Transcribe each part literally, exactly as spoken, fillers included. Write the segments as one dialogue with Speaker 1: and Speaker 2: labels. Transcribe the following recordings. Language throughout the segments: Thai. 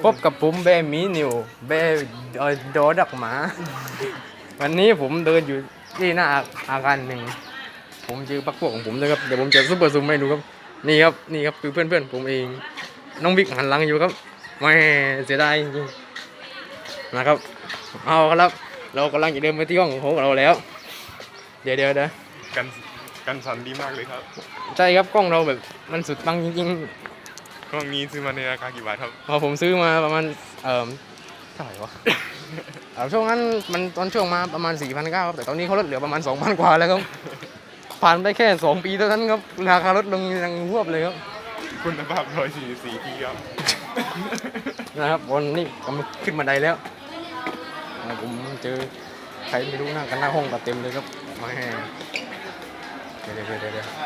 Speaker 1: พบกับผมเบมีนิวเบโดดักหมาวันนี้ผมเดินอยู่ที่หน้าอาคารหนึ่งผมเจอพักพวกของผมเลยครับเดี๋ยวผมจะซุปเปอร์ซูมให้ดูครับนี่ครับนี่ครับคือเพื่อนเพื่อนผมเองน้องบิ๊กหันหลังอยู่ครับไม่เสียดายจริงๆนะครับเอาครับเรากำลังจะเดินไปที่ห้องของเราแล้วเดี๋ยวเดี๋ยวเดี๋ยว
Speaker 2: กันกันสั่นดีมากเลยครับ
Speaker 1: ใช่ครับกล้องเราแบบมันสุดปังจริง
Speaker 2: กล้องนี้ซื้อมาในราคากี่บาทครับ
Speaker 1: ๆพอผมซื้อมาประมาณเอ่อเท่าไหร่วะ เอ่อช่วงนั้นมันตอนช่วงมาประมาณ สี่พันเก้าร้อย ครับแต่ตอนนี้เขาลดเหลือประมาณ สองพัน กว่าแล้วครับผ่านไปแค่สองปีเท่านั้นครับราคาลดลงยังหวบเลยครับ
Speaker 2: คุณภาพหนึ่งร้อยสี่สิบสี่ทีครับ
Speaker 1: นะครับวันนี้กำลังขึ้นบันไดแล้วอ่าผมเจอใครไม่รู้นั่งกันหน้าห้องแบบเต็มเลยครับแหม่เดี๋ยวเดี๋ยวเดี๋ยวเดี๋ยว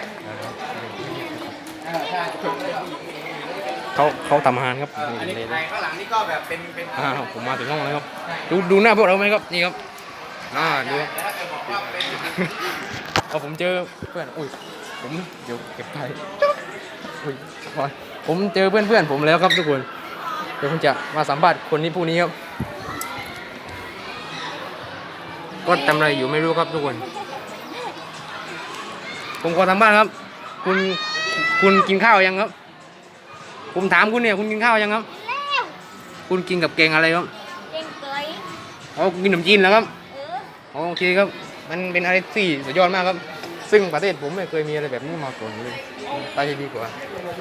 Speaker 1: เขาเขาทำอาหารครับ
Speaker 3: อันนี้
Speaker 1: นี่
Speaker 3: ไอ้ข้างหลังนี่ก็แบบเป็นเป็น
Speaker 1: อ่าผมมาถึงห้องแล้วครับดูดูหน้าพวกเราไหมครับนี่ครับอ่าดูครับ
Speaker 3: แต่ถ้าเกิดบอกว่าเป็น
Speaker 1: เอาผมเจอเพื่อนอุ้ยผมเดี๋ยวเก็บไปอุ้ยพอผมเจอเพื่อนเพื่อนผมแล้วครับทุกคนเดี๋ยวผมจะมาสัมภาษณ์คนนี้ผู้นี้ครับก็ทำอะไรอยู่ไม่รู้ครับทุกคนผมขอทำบ้านครับ คุณคุณกินข้าวยังครับผมถามคุณเนี่ยคุณกินข้าวยังครับคุณกินกับแกงอะไรครับ
Speaker 4: เก่งเกย
Speaker 1: อ๋อกินขนมจีนแล้วครับ
Speaker 4: เออ
Speaker 1: อ๋อโอเคครับมันเป็นอะไรที่สุดยอดมากครับ ซึ่งประเทศผมไม่เคยมีอะไรแบบนี้มาก่อนเลยไปที่ดีกว่า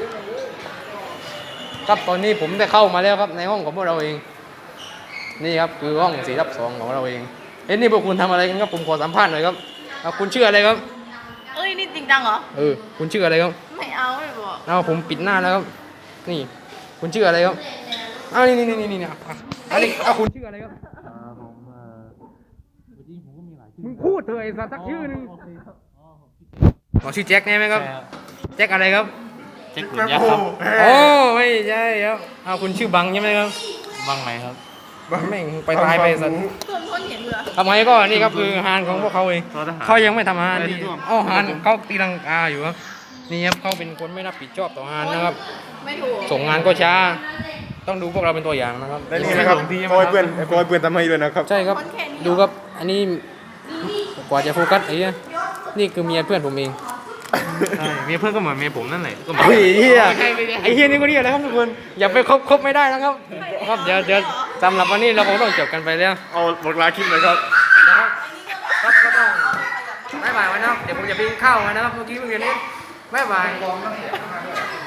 Speaker 1: ครับตอนนี้ผมได้เข้ามาแล้วครับในห้องของพวกเราเองนี่ครับคือห้องสี่ทับสองของเราเองเอ้นี่พวกคุณทำอะไรกันครับผมขอสัมภาษณ์หน่อยครับเอาคุณชื่ออะไรครับ
Speaker 4: เอ้ยนี่จริงจังเหรอ
Speaker 1: เออคุณชื่ออะไรครับ
Speaker 4: ไม่เอาไม่บอก
Speaker 1: เอาผมปิดหน้าแล้วครับนี่คุณชื่ออะไรครับอ้าวนี่นี่นี่นี่นี่อ่ะอันนี้เอาคุณชื่ออะไรครับมึงพูดเถอะไอ้สัตว์สักชื่อหนึงอ๋อชื่อแจ็คใช่ไหมครับแจ็คอะไรครับ
Speaker 3: เช็คขุนยักษ์ครับ
Speaker 1: โอ้ไม่ใช่ครับเอาคุณชื่อบังใช่ไหมครับ
Speaker 3: บ้างไหมครับ
Speaker 1: แม่งไปตายไปสัตว์
Speaker 4: ส่วนคนเห็นเหรอ
Speaker 1: ทำไมก็นี่ครับคือฮานของพวกเขาเองเขายังไม่ทำฮานนี่อ๋อฮานเขาตีลังกาอยู่ครับนี่ครับเขาเป็นคนไม่รับผิดชอบต่อฮานนะครับ
Speaker 4: ไม่ถูก
Speaker 1: ส่งงานก็ช้าต้องดูพวกเราเป็นตัวอย่างนะครับ
Speaker 2: และนี่นะครับโกยเพื่อนโกยเพื่อนทำให้ด้วยนะครับ
Speaker 1: ใช่ครับดูครับอันนี้กว่าจะโฟกัสไอ้เนี่ยนี่คือเมียเพื่อนผมเอง
Speaker 3: ใช่เมียเพื่อนก็เหมือนเมียผมนั่นแหละก็เหมือน
Speaker 1: ไอ้เหี้ยไอ้เหี้ยนี่ก็เรียกอะไรครับทุกคนอย่าไปคบคบไม่ได้นะครับครับเดี๋ยวเดี๋ยวสำหรับวันนี้เราคงต้องจบกันไปแล้ว
Speaker 2: เอาบอกลาคลิปเลยครับ
Speaker 1: นะครับครับก็ต้องบ๊ายบายไว้นะครับเดี๋ยวผมจะไปกินข้าวมานะครับเมื่อกี้เพิ่งเรียนนี้บ๊ายบาย